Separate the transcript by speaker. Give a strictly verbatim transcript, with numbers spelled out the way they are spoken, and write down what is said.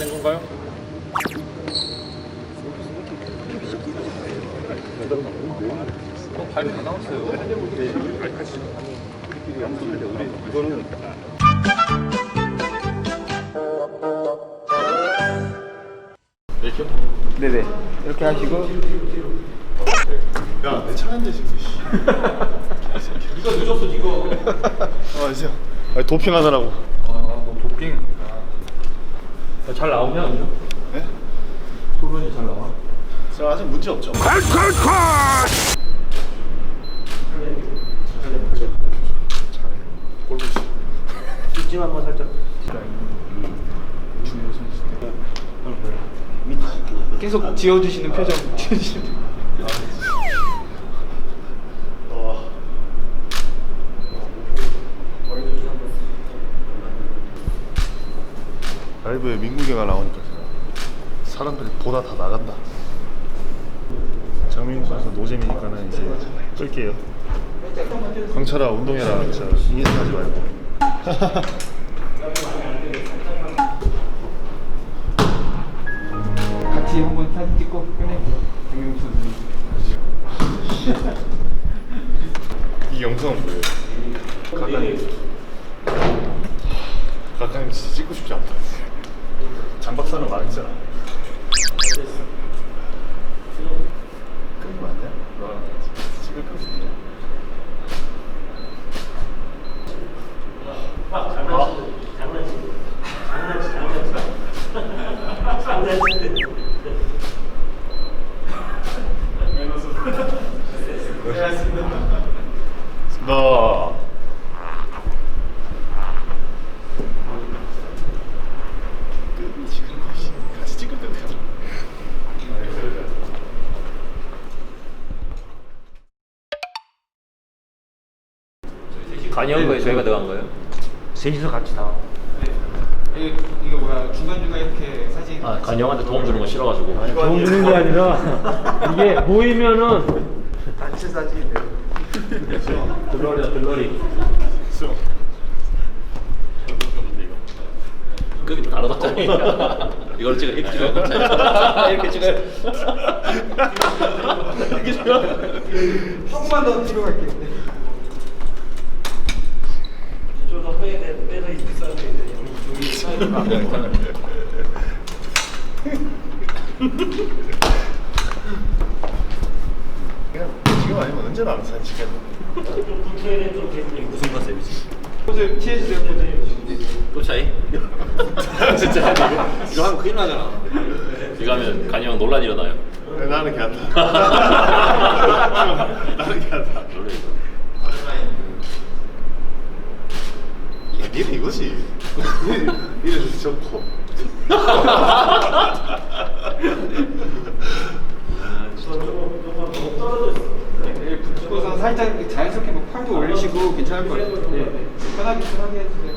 Speaker 1: 된 건가요? 어, 발이 다 나왔어요. 이거는 이렇게?
Speaker 2: 네네. 이렇게 하시고.
Speaker 3: 야, 내 차인데 지금.
Speaker 1: 네가 늦었어, 네가.
Speaker 3: 아, 이제 아니, 도핑하느라고.
Speaker 1: 아, 너 도핑. 아. 잘 나오냐, 요즘?
Speaker 3: 네?
Speaker 1: 소변이 잘 나와?
Speaker 3: 저 아직 문제 없죠. 골부시.
Speaker 2: 뒷짐 한번 살짝.
Speaker 3: 중요 선수.
Speaker 2: 계속 지어주시는 표정. 지어주시는 표정.
Speaker 3: 와. 라이브에 민국이가 나오니까 사람들이 보다 다 나간다. 장민국 선수 노잼이니까는 이제 끌게요. 광철아 운동해라. 진짜 인사하지 말고.
Speaker 2: 같이 한번 사진 찍고 끝낼게요. 장민국 선수.
Speaker 3: 이 영상은 뭐예요? 가까이 가까이 진짜 찍고 싶지 않다. 장 박사는 말했잖아. 끊이면 안 돼? 찍을 거 있냐?
Speaker 4: 아, 장난치, 장난치, 장난치, 장난치, 장난치.
Speaker 3: 너 끝이 지금 같이 찍을 때 되잖아.
Speaker 5: 간이한 거에 저희가 들어간 거예요?
Speaker 2: 셋이서 같이 나와. 네. 이거 뭐야 중간중간 이렇게 사진.
Speaker 5: 아, 간이 형한테 도움 주는 거 싫어가지고.
Speaker 6: 도움 주는 게 아니라 이게 모이면은
Speaker 2: 단체 사진인데요.
Speaker 5: 들러리다, 들러리.
Speaker 3: 수영.
Speaker 5: 급이 다르다잖아요. 이걸 찍어, 이렇게 찍어요. 이렇게 찍어요. 이렇게 찍어요.
Speaker 2: 조금만 더 뒤로 갈게요.
Speaker 4: 이쪽으로 빼서 빼서 있어야 되는데 여기 사이드.
Speaker 3: 지금 아니면 언제 나는 사진 찍겠노?
Speaker 4: 좀 불쾌해 좀 되는
Speaker 5: 무슨 컨셉이지?
Speaker 2: 포즈 취해주세요. 포즈.
Speaker 5: 또 차이? 진짜 이거 하면 큰일 나잖아. 이거 하면 간이 형 논란 일어나요.
Speaker 3: 네, 나는 괜찮다. 나는 괜찮다. 야, 니는 이거지. 니는 좋고.
Speaker 2: 붙고서 살짝 자연스럽게 뭐 팔도 올리시고 괜찮을 것 같아요. 네. 편하게 편하게 해주세요.